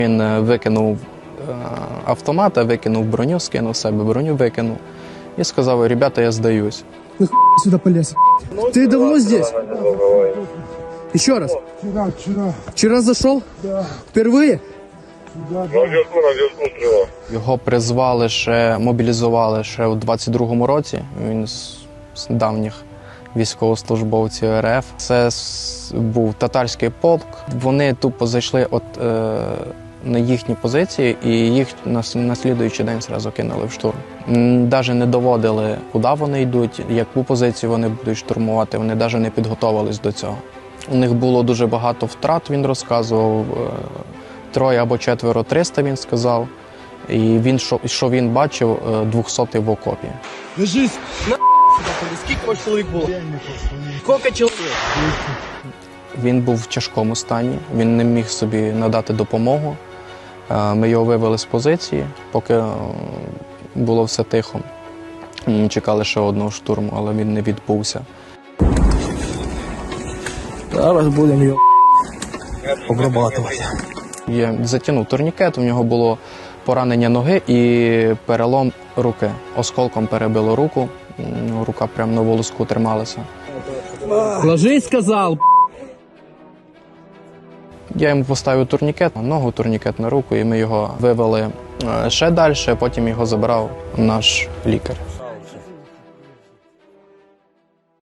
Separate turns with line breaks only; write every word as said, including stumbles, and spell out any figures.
Він викинув автомата, викинув броню, скинув себе, броню викинув і сказав: ребята, я здаюсь.
Ты сюда полез. Ты давно здесь? Еще раз.
Вчера, вчера.
Вчера зашел?
Да.
Впервые?
Да,
На зв'язку, на зв'язку стріла.
Його призвали ще, мобілізували ще у двадцять другому році. Він з, з давніх військовослужбовців РФ. Це с- був татарський полк. Вони тупо зайшли от, е, на їхні позиції і їх на, с- на слідуючий день зразу кинули в штурм. Навіть не доводили, куди вони йдуть, яку позицію вони будуть штурмувати. Вони навіть не підготовились до цього. У них було дуже багато втрат, він розказував. е, Троє або четверо триста, він сказав. І він, що, що він бачив, двохсотий в окопі.
Ложись.
Скільки ваш чоловік було? Скільки чоловік?
Він був в тяжкому стані, він не міг собі надати допомогу. Е, Ми його вивели з позиції, поки е, було все тихо. Ми чекали ще одного штурму, але він не відбувся.
Зараз будем ее обрабатывать.
Я затягнув турнікет, у нього було поранення ноги і перелом руки. Осколком перебило руку, м, рука прямо на волоску трималася.
Ложись, сказал.
Я йому поставив турнікет на ногу, турнікет на руку, і ми його вивели е, ще далі, потім його забрав наш лікар.